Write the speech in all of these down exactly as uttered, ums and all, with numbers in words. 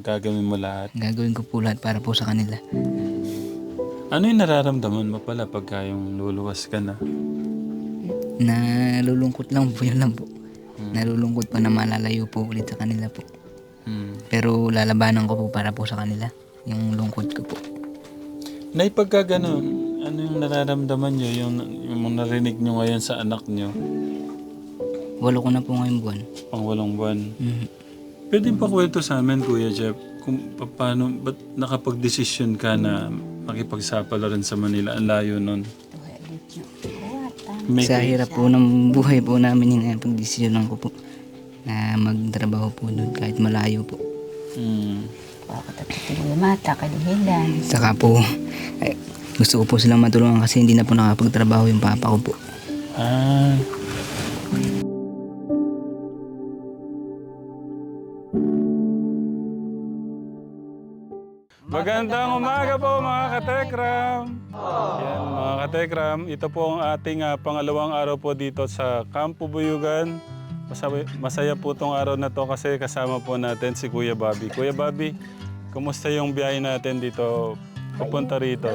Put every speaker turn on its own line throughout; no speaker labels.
gagawin mo lahat.
Gagawin ko po lahat para po sa kanila.
Ano yung nararamdaman mo pala pagka yung luluwas ka na?
Nalulungkot lang po, yun lang po. Nalulungkot pa na malalayo po ulit sa kanila po.
Hmm.
Pero lalabanan ko po para po sa kanila. Yung lungkot ko po.
Nay, pagka ganun, ano yung nararamdaman nyo, yung, yung narinig nyo ngayon sa anak nyo?
Walo ko na po ngayong buwan.
Pang walong buwan.
Mhm.
Pwede pa kwento sa amin, Kuya Jeff, kung pa- paano, ba't nakapag-desisyon ka na makipagsapalaran sa Manila? Ang layo nun. May
Sa hirap po ng buhay po namin yun, pag-desisyon lang ko po na magtrabaho po doon kahit malayo po.
Hmm.
mata kadihilan.
Saka po, ay, gusto ko po silang matulungan kasi hindi na po nakapagtrabaho yung papa ko po.
Ah. Magandang umaga po mga katekram. Yan mga katekram, ito po ang ating ah, pangalawang araw po dito sa Campo Buyugan. Masaya, masaya po tong araw na to kasi kasama po natin si Kuya Bobby. Kuya Bobby, kumusta yung biyahe natin dito papunta rito?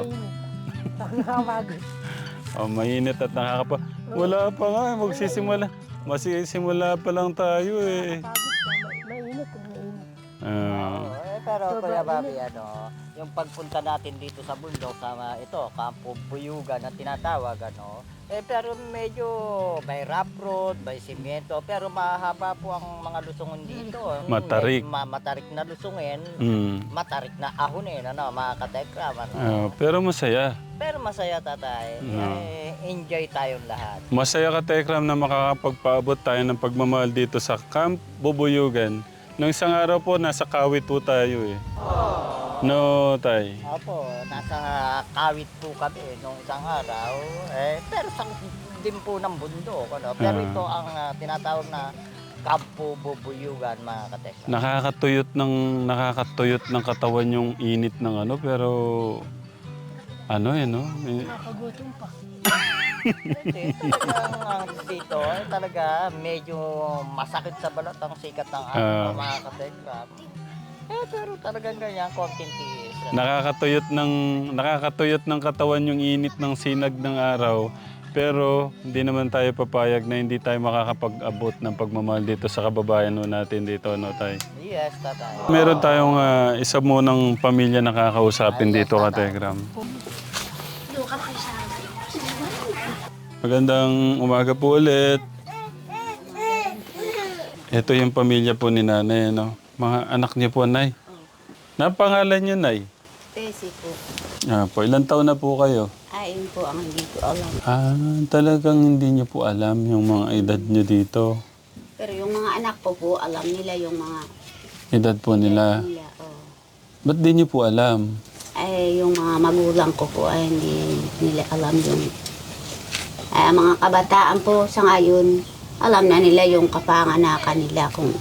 Oh, mainit at nakakapa. Wala pa nga, magsisimula. Masisimula pa lang tayo eh.
Mainit, mainit.
Ah.
Eh, pero Kuya Bobby, ano, yung pagpunta natin dito sa bundok, sa uh, ito, Campo Buyugan na tinatawag, ano, eh, pero medyo may rough road, may simyento, pero mahaba po ang mga lusungin dito.
Matarik.
May, ma- matarik na lusungin,
Mm.
matarik na ahonin, ano, mga katekram, ano.
Ah, pero masaya.
Pero masaya tatay,
No.
eh, enjoy tayong lahat.
Masaya ka, Tekram, na makakapagpaabot tayo ng pagmamahal dito sa Camp Bubuyugan. Nung isang araw po, nasa Kawit po tayo eh. No, tay.
Opo, nasa Kawit po kami nung isang araw. Eh, pero sa din po ng bundok. Ano? Pero
Ah.
ito ang ah, tinatawag na Campo Bubuyugan, mga katekra.
Nakakatuyot ng, nakakatuyot ng katawan yung init ng ano, pero ano eh, no? Eh,
Nakagutom pa.
Hindi, talagang ah, dito, eh, talaga medyo masakit sa balat ang sikat ng araw,
Ah.
mga katekra. Eh, pero talagang ganyan, konting tiis.
nakakatuyot ng, nakakatuyot ng katawan yung init ng sinag ng araw. Pero hindi naman tayo papayag na hindi tayo makakapag-abot ng pagmamahal dito sa kababayan ho natin dito, no, tay?
Yes, tatay.
Meron tayong ah, isa munang pamilya na kakausapin
Ay, yes,
dito ka,
tatay.
Tekram. Magandang umaga po ulit. Ito yung pamilya po ni nanay, no? Mga anak niyo po, nay. Napangalan niyo, nay?
Tesi po.
Ah, po, ilang taon na po kayo?
Ayun po ang hindi ko alam.
Ah, talagang hindi niyo po alam yung mga edad niyo dito.
Pero yung mga anak ko po, alam nila yung mga
Edad po nila.
nila. Oh.
Ba't di niyo po alam?
Ay, yung mga magulang ko po ay hindi nila alam yung... Ay, ang mga kabataan po sa ngayon, alam na nila yung kapanganakan nila kung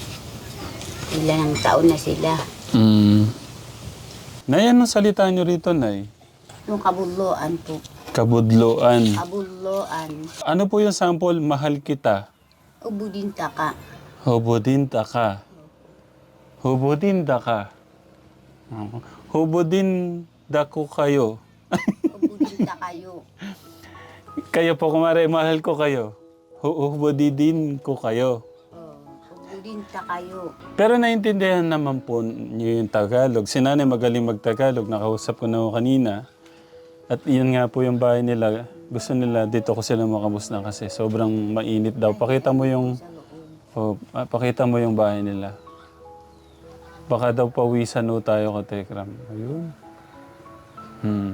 ilang taon na sila.
Hmm. Nay, anong salita niyo rito, nay?
Yung kabudloan po.
Kabudloan.
Kabudloan.
Ano po yung sample? Mahal kita.
Ubudinta ka.
Hubodinta ka. Hubodinta ka. Uh, Hubodin dako kayo.
Ubudinta kayo.
Kayo po, kumare, mahal ko kayo. Hu- Hubodidin ko kayo.
Oh, ubudinta kayo.
Pero naintindihan naman po niyo yung Tagalog. Si nanay magaling mag-Tagalog. Nakausap ko na ako kanina. At yun nga po yung bahay nila. Gusto nila dito ko sila makamusta kasi sobrang mainit daw. Pakita mo yung oh, ah, pakita mo yung bahay nila. Baka daw pawisan no tayo ka Tekram. Ayun. Hmm.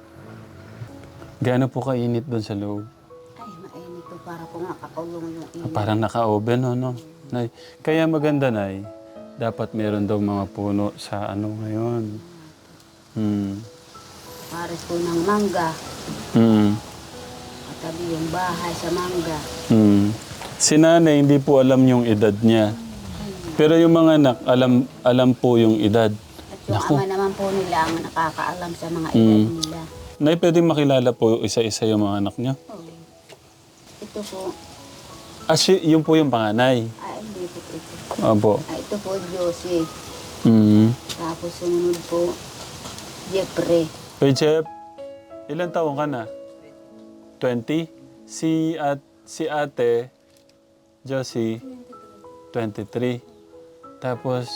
Gaano po kainit doon sa loob?
Ay, mainit po para po nakakulong yung
Ah,
init.
parang naka-oven, no, no? Nay. Kaya maganda, Nay. Dapat meron daw mga puno sa ano ngayon. Hmm.
Pares po ng mangga.
Hmm.
Katabi yung bahay sa mangga.
Hmm. Si nanay, hindi po alam yung edad niya. Pero yung mga anak, alam, alam po yung edad.
At yung
Naku.
ama naman po nila ang nakakaalam sa mga edad
Mm.
nila.
Nay, pwede makilala po isa-isa yung mga anak niya?
Oh. Ito po,
Ah, si, yun po yung panganay.
ay hindi po ito.
Opo.
Ay, ito po Josie.
Mm.
Tapos sumunod po, Jeffrey.
Hey, Jeff, ilan taon ka na? twenty? Si, at, si ate, Josie, twenty-three. Tapos,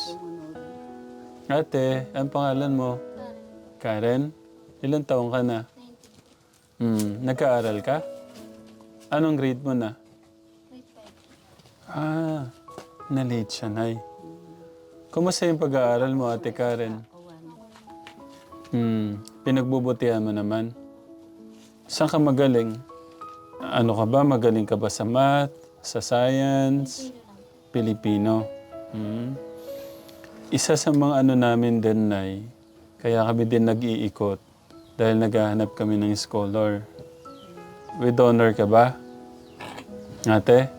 ate, ang pangalan mo? Karen. Ilan taon ka na? Hmm, nagka-aral ka? Anong grade mo na? Ah, na-late siya, Nay. Kumusta yung pag-aaral mo, Ate Karen? Hmm, pinagbubutihan mo naman. Saan ka magaling? Ano ka ba? Magaling ka ba sa math? Sa science? Pilipino? Hmm. Isa sa mga ano namin din, Nay, kaya kami din nag-iikot dahil naghahanap kami ng scholar. With honor ka ba? Ate?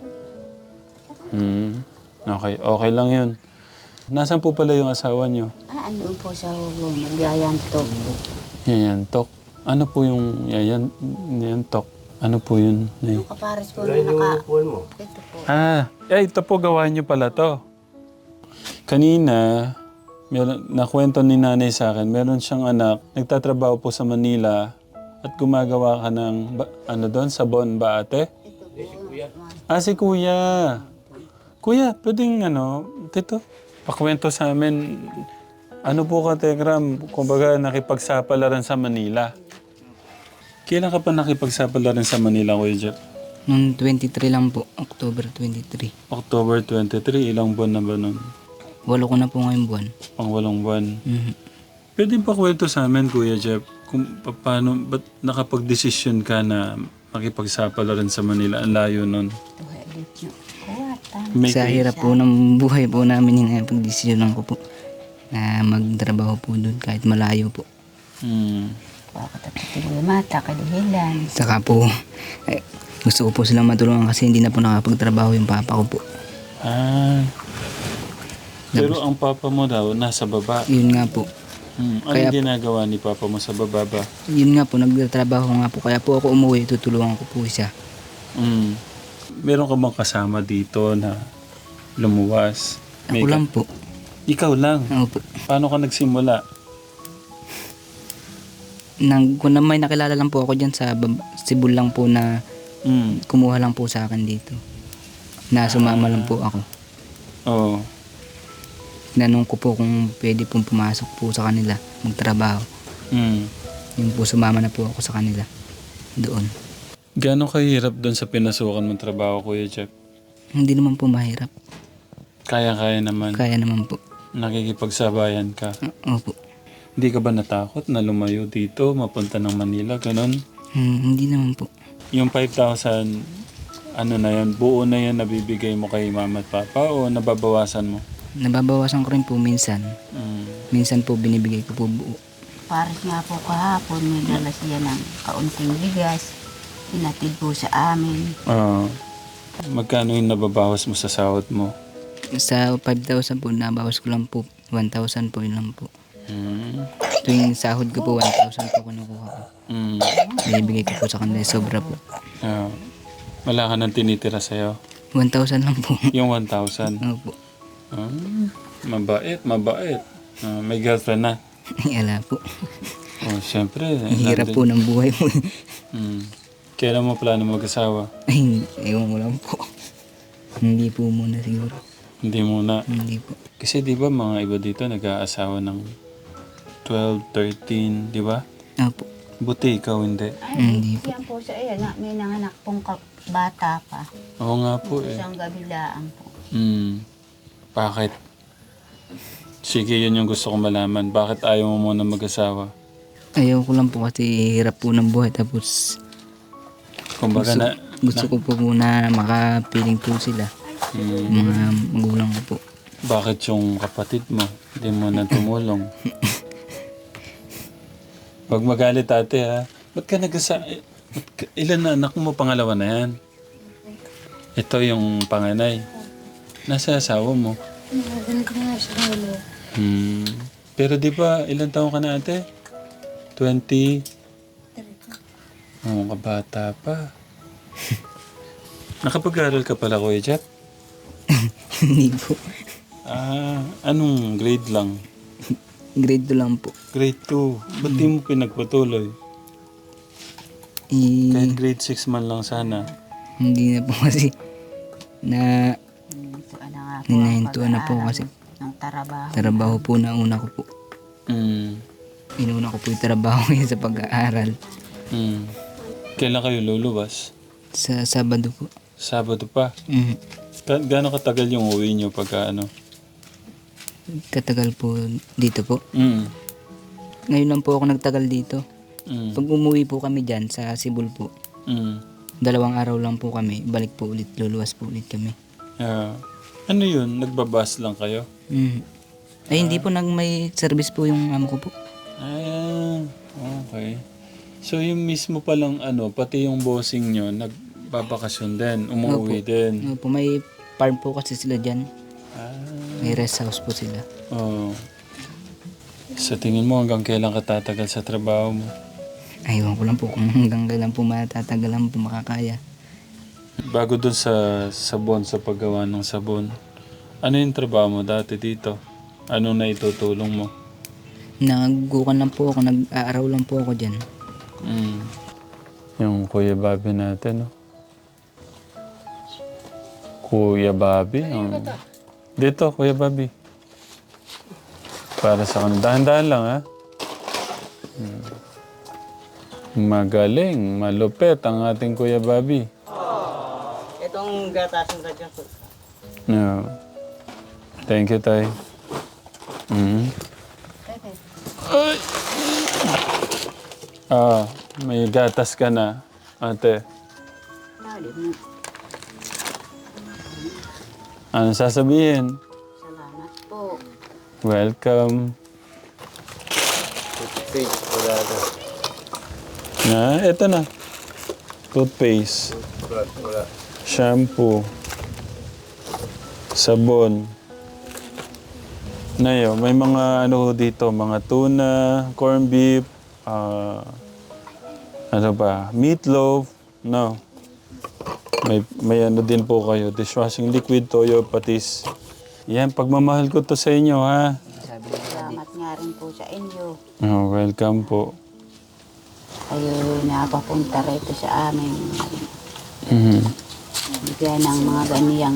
Hmm. Okay, okay lang yun. Nasaan po pala yung asawa niyo?
Ah, ano po sa hugo, magyayantok po.
Yayantok. Ano po yung yayan, yayantok? Ano po yun? Nay?
Yung kapares po na naka... Ito po.
Ah, eh, ito po gawa niyo pala to. Kanina, meron, nakwento ni nanay sa akin, meron siyang anak, nagtatrabaho po sa Manila at gumagawa ka ng, ba, ano doon, sabon ba ate?
Ito po.
Ah, si kuya. Kuya, pwedeng ano, tito, pakwento sa amin, ano po ka, Tegram, kumbaga nakipagsapalaran sa Manila. Kailan ka pa nakipagsapalaran sa Manila, Kuya Jeff?
Noong twenty-three lang po, October twenty-three.
October twenty-three, ilang buwan na ba nun?
Walo ko na po ngayong buwan.
Pang walong buwan.
Mhm.
Pwede pa kwento sa amin, Kuya Jeff, kung pa- paano, ba't nakapag-desisyon ka na makipagsapalaran sa Manila? Ang layo nun.
Tuha dito. Kuwatan.
May
Sa hirap po ng buhay po namin yung pagdesisyonan ko po na magtrabaho po doon kahit malayo po.
Hmm.
Pakatapitin yung mata, kadihilan.
Saka po, eh, gusto ko po silang matulungan kasi hindi na po nakapagtrabaho yung papa ko po.
Ah. Pero ang papa mo daw, nasa baba.
Yun nga po.
Hmm. Ano
Kaya-
ginagawa ni papa mo sa baba ba?
Yun nga po, nagtatrabaho nga po. Kaya po ako umuwi, tutulungan ko po siya.
Hmm. Meron ka bang kasama dito na lumuwas?
Ako lang po.
Ikaw lang?
Ako po.
Paano ka nagsimula?
Nang, kung na may nakilala lang po ako dyan sa bab- Cebu lang po na
Hmm.
kumuha lang po sa akin dito. Na sumama lang po ako.
Oo.
Tinanong ko po kung pwede pong pumasok po sa kanila, magtrabaho.
Hmm.
Yung po sumama na po ako sa kanila. Doon.
Gano'ng kahirap doon sa pinasukan mong trabaho, Kuya Jeff?
Hindi naman po mahirap.
Kaya-kaya naman.
Kaya naman po.
Nakikipagsabayan ka.
Ah, Opo.
Hindi ka ba natakot na lumayo dito, mapunta ng Manila, ganon?
Hmm, hindi naman po.
Yung five thousand, ano na yan, buo na yan nabibigay mo kay mama at papa o nababawasan mo?
Nababawasan ko rin po minsan.
Mm.
Minsan po binibigay ko po buo.
Pares nga po kahapon, may dala siya ng kaunting bigas. Pinatid po sa amin.
Ah, magkano yung nababawas mo sa sahod mo?
Sa five thousand po, nabawas ko lang po. one thousand po, yun lang po.
Mm.
Tuwing sahod ko po, one thousand po kinukuha ko.
Mm.
Binibigay ko po sa kanila, sobra po.
Ah, wala ka nang tinitira sa'yo?
one thousand lang po.
Yung one thousand?
Opo.
Ah, mabait, mabait. Ah, may girlfriend na?
Wala po.
Oh, syempre.
Ang hirap po ng buhay mo.
Mm. Kailan mo plano mag-asawa?
Ay, ewan ko lang po. Hindi po muna siguro.
Hindi muna.
Hindi po.
Kasi di ba mga iba dito nag-aasawa ng twelve, thirteen, di ba?
Opo.
Buti ikaw hindi.
Hindi po.
Yan po sa iya, na, may nanganak pong ka- bata pa.
Oo nga po eh.
Isang gabilaan po.
Hmm. Bakit? Sige, yun yung gusto kong malaman. Bakit ayaw mo muna mag-asawa?
Ayaw ko lang po kasi hirap po ng buhay. Tapos
Kumbaga na...
gusto ko po muna makapiling po sila.
Hmm.
Yung mga magulang ko po.
Bakit yung kapatid mo? Hindi mo na tumulong. Huwag magalit ate ha. Ba't ka nag-asa... eh, ba't ka- Ilan na anak mo? Pangalawa na yan. Ito yung panganay. Nasa asawa mo. Hmm. Pero di ba, ilan taon ka na ate? twenty? Oo, kabata pa. Nakapag-aral ka pala, Kuya Jeff?
Hindi po.
Ah, anong grade lang?
Grade two lang po.
Grade two. Ba't di mo pinagpatuloy?
I,
Kahit grade six man lang sana.
hindi na po kasi na
Ito na nga po ang
Hinahintuan na po
pag-aaral
kasi.
ng trabaho.
trabaho po na una ko po.
Mm.
Inuna ko po yung trabaho ngayon sa pag-aaral.
Mm. Kailan kayo luluwas?
Sa Sabado po.
Sabado pa.
Mm.
Ga- gaano katagal yung uwi nyo pagka ano?
Katagal po dito po.
Mm.
Ngayon lang po ako nagtagal dito.
Mm.
Pag umuwi po kami dyan sa Cebu po,
Mm.
dalawang araw lang po kami. Balik po ulit, luluwas po ulit kami.
Yeah. Ano yun? Nagbabas lang kayo?
Mm. Ay, hindi po nag may service po yung amo ko po.
Ah, okay. So yung mismo palang ano, pati yung bossing nyo, nagbabakasyon din, umuwi
Opo.
din.
Ano po, may farm po kasi sila dyan.
Ah,
May rest house po sila.
oh. Sa tingin mo hanggang kailan ka tatagal sa trabaho mo?
Aywan ko lang po kung hanggang kailan po matatagalan po makakaya.
Bago dun sa sabon, sa paggawa ng sabon, ano yung trabaho mo dati dito? Anong naitutulong mo?
Naggukan lang po ako, nag-aaraw lang po ako dyan.
Mm. Yung Kuya Bobby natin, no? Kuya Bobby? Ang... Dito, Kuya Bobby. Para sa kanila. Dahan-dahan lang, ha? Hmm. Magaling, malupit ang ating Kuya Bobby.
Itong gatasan na dyan po.
No. Thank you, Tay. Mm. Ay! Ah, may gatas ka na, ate. Ano sasabihin?
Salamat po.
Welcome. Na, eto na. Toothpaste. Shampoo. Sabon. Nayo, may mga ano dito, mga tuna, corned beef, ah, ano ba, meatloaf, no. May, may ano din po kayo, dishwashing liquid, toyo, patis. Yan, pagmamahal ko to sa inyo, ha.
Salamat nga rin po sa inyo.
Oh, welcome po.
Kayo napapunta rito sa amin.
Mhm.
Bigyan ng mga ganiyang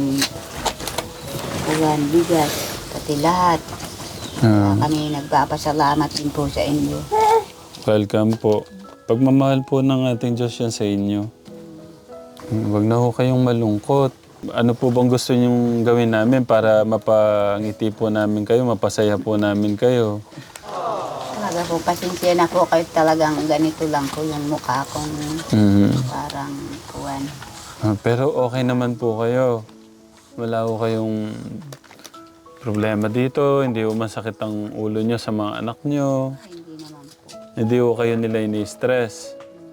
ulan, bigas, pati lahat.
Ah,
Kami nagpapasalamat din po sa inyo.
welcome po. Pagmamahal po ng ating Diyos yan sa inyo. Hmm, Huwag na ho kayong malungkot. Ano po bang gusto niyong gawin namin para mapangiti po namin kayo, mapasaya po namin kayo?
Talaga po, pasensya na po kayo talagang ganito lang po yung mukha kong
Mhm.
parang kuwan.
Ah, pero okay naman po kayo. Wala ho kayong problema dito, hindi ho masakit ang ulo nyo sa mga anak nyo.
Ay, hindi naman po.
Hindi ho kayo nila ini-stress.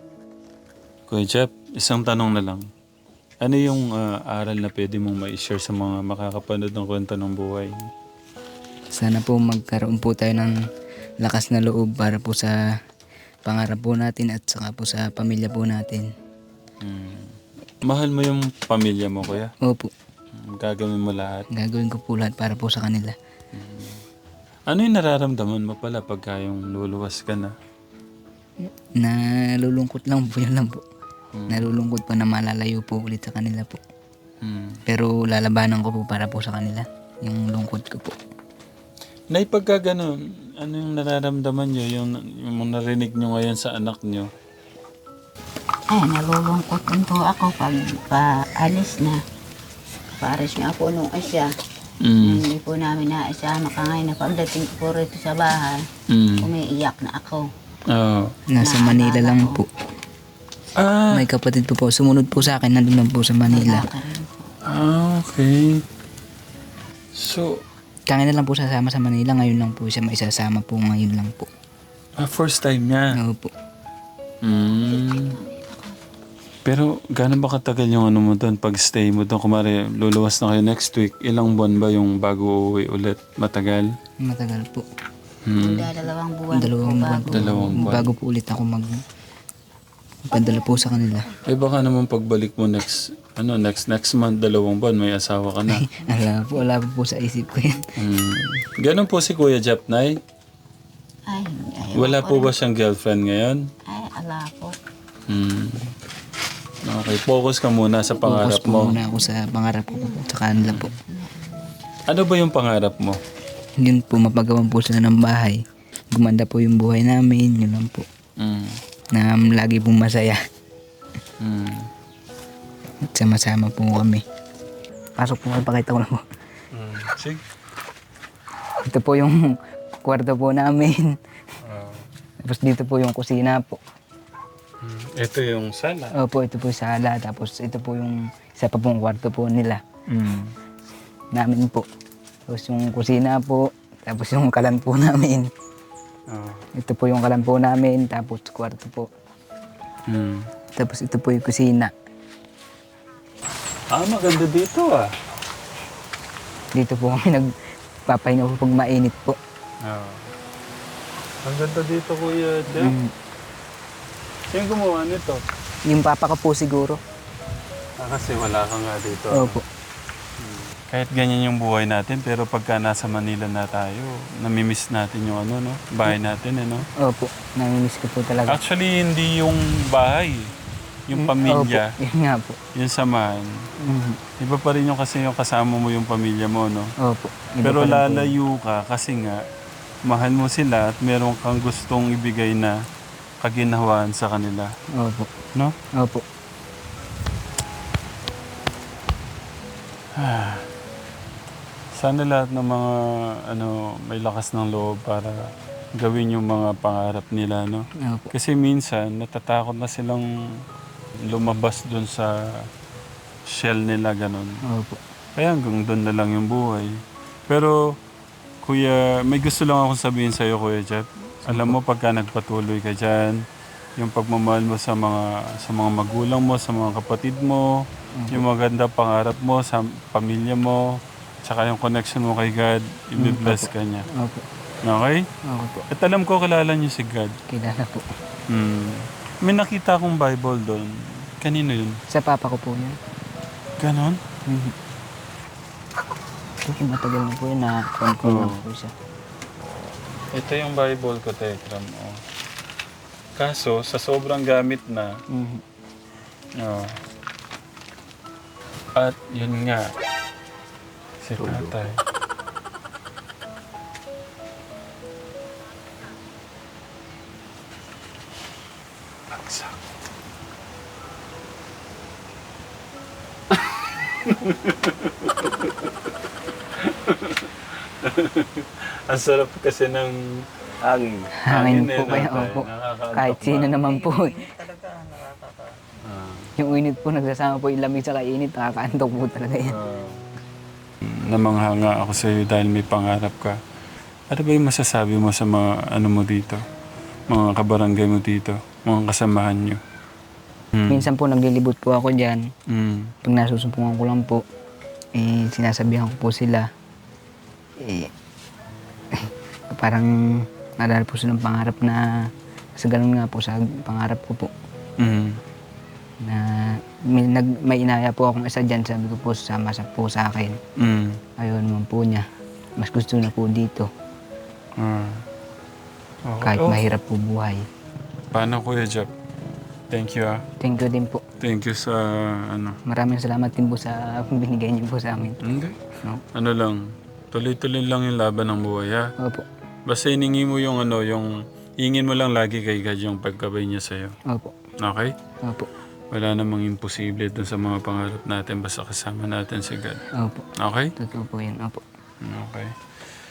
Kuya Jeff, isang tanong na lang. Ano yung ah, aral na pwede mong ma-share sa mga makakapanood ng kwento ng buhay?
Sana po magkaroon po tayo ng lakas na loob para po sa pangarap po natin at saka po sa pamilya po natin.
Hmm. Mahal mo yung pamilya mo, kuya?
Opo,
Hmm, Gagawin mo lahat.
gagawin ko po lahat para po sa kanila.
Ano yung nararamdaman mo pala pagka yung luluwas ka na?
Nalulungkot lang po, yun lang po. Nalulungkot po na malalayo po ulit sa kanila po.
Hmm.
Pero lalabanan ko po para po sa kanila. Yung lungkot ko po.
Nay, pagka ganun, ano yung nararamdaman nyo, yung, yung narinig nyo ngayon sa anak nyo?
Ay, nalulungkot din po ako pag paalis na. Paalis nga po nung isa.
Mm.
Hindi po namin naisama ka ngayon na pagdating ko po rito sa bahay,
Mm.
umiiyak na ako.
Oo.
Nasa Manila lang po.
Ah,
May kapatid po po. Sumunod po sa akin. Nandun lang po sa Manila.
Wala ka rin po.
ah, okay. So,
Kaya na lang po sasama sa Manila. Ngayon lang po siya maisasama po. Ngayon lang po.
ah, first time niya.
Oo po.
Mm. Pero, gano'n ba katagal yung ano mo doon, pag-stay mo doon? Kumari, luluwas na kayo next week. Ilang buwan ba yung bago uuwi ulit? Matagal?
Matagal po.
Hmm.
Dalawang buwan
Dalawang
po
buwan
bago.
po.
Dalawang buwan.
Bago po ulit ako mag Padala po sa kanila.
Eh baka naman pagbalik mo next, ano, next next month, dalawang buwan, may asawa ka na.
Wala po, wala po po sa isip ko yan.
Hmm. Ganon po si Kuya Jep, Nay.
Ay, ay,
Wala
ko
po ba
rin.
siyang girlfriend ngayon?
Ay, ala po.
Hmm. Okay, focus ka muna sa
Focus
pangarap
po
mo.
muna ako sa pangarap ko po sa kanila po.
Ano ba yung pangarap mo?
Yun po, mapagawan po sila ng bahay. Gumanda po yung buhay namin, yun lang po.
Hmm.
Na lagi pong masaya.
Hmm.
At sama-sama po kami. Pasok po, magpakita ko na po.
Hmm. Sige.
Ito po yung kwarto po namin.
Ah.
Tapos dito po yung kusina po.
Hmm. Ito yung sala.
Opo, ito po yung sala. Tapos ito po yung isa pa pong kwarto po nila.
Hmm.
Namin po. Tapos yung kusina po. Tapos yung kalan po namin.
Ah.
Ito po yung kalan po namin. Tapos kwarto po.
Hmm.
Tapos ito po yung kusina.
Ah, maganda dito ah.
Dito po kami nagpapahinga po pag mainit po.
Ah. Ang ganda dito, Kuya Jeff.
Mm.
Sino gumawa nito?
Yung papa ko po siguro.
Ah, kasi wala ka nga dito.
Opo.
Kahit ganyan yung buhay natin, pero pagka nasa Manila na tayo, namimiss natin yung ano, no? Bahay natin, ano?
Opo. Namimiss ko po talaga.
Actually, hindi yung bahay. Yung pamilya,
Opo. Yun nga po.
yung samahan.
Mhm.
Iba pa rin yung kasi yung kasama mo yung pamilya mo, no?
Opo. Iba
Pero
pa rin po.
lalayo ka kasi nga, mahal mo sila at meron kang gustong ibigay na kaginhawaan sa kanila.
Opo.
No?
Opo.
Sana lahat ng mga ano may lakas ng loob para gawin yung mga pangarap nila, no?
Opo.
Kasi minsan natatakot na silang lumabas dun sa shell nila ganun.
Opo.
Kaya hanggang doon na lang yung buhay. Pero Kuya, may gusto lang akong sabihin sa iyo, Kuya Jeff. Alam mo pagka nagpatuloy ka diyan, yung pagmamahal mo sa mga sa mga magulang mo, sa mga kapatid mo, yung maganda pangarap mo sa pamilya mo, tsaka yung connection mo kay God, i-bless ka niya.
Opo.
Okay?
Opo.
At alam ko, kilala niyo si God.
Kilala po.
Hmm. May nakita akong Bible doon. Kanino yun?
Sa papa ko po yun.
Ganon?
Mhm. Kasi matagal na po yun na kon
Oo.
po siya.
Ito yung Bible ko, Tekram. Oh. Kaso, sa sobrang gamit na,
Mhm.
oh. At yun nga, si tatay. Bagsak. Ang sarap kasi ng hangin.
Hangin
eh,
po kaya,
tatay.
opo.
Nakakaantok
Kahit
ba?
sino naman po eh.
Ah.
Yung init po, nagsasama po yung lamig sa kainit, nakakaantok po talaga yan.
Ah. Namangha nga ako sa iyo dahil may pangarap ka. Ano ba yung masasabi mo sa mga ano mo dito? Mga kabarangay mo dito? Mga kasamahan nyo? Mm.
Minsan po naglilibot po ako dyan.
Mm.
Pag nasusumpungan ko lang po, eh, sinasabihan ko po sila. Eh, parang nadala po silang pangarap na sa ganun nga po sa pangarap ko po.
Mm.
Na may, nag, may inaya po akong isa dyan, sabi ko po sama sa po sa akin.
Mm.
Ayaw naman po niya. Mas gusto na po dito.
Ah. Okay.
Kahit
Oh,
mahirap po buhay.
paano, Kuya Jep? Thank you ah.
Thank you din po.
Thank you sa ano.
Maraming salamat din po sa binigay niyo po sa amin.
Hindi.
No?
Ano lang, tuloy-tuloy lang yung laban ng buhay ha.
Opo.
Basta hiningi mo yung ano, yung hingin mo lang lagi kay God yung pagkabay niya sa'yo.
Opo.
Okay?
Opo.
Wala namang imposible dun sa mga pangarap natin basta kasama natin si God.
Opo.
Okay?
Totoo po yan. Opo.
Okay.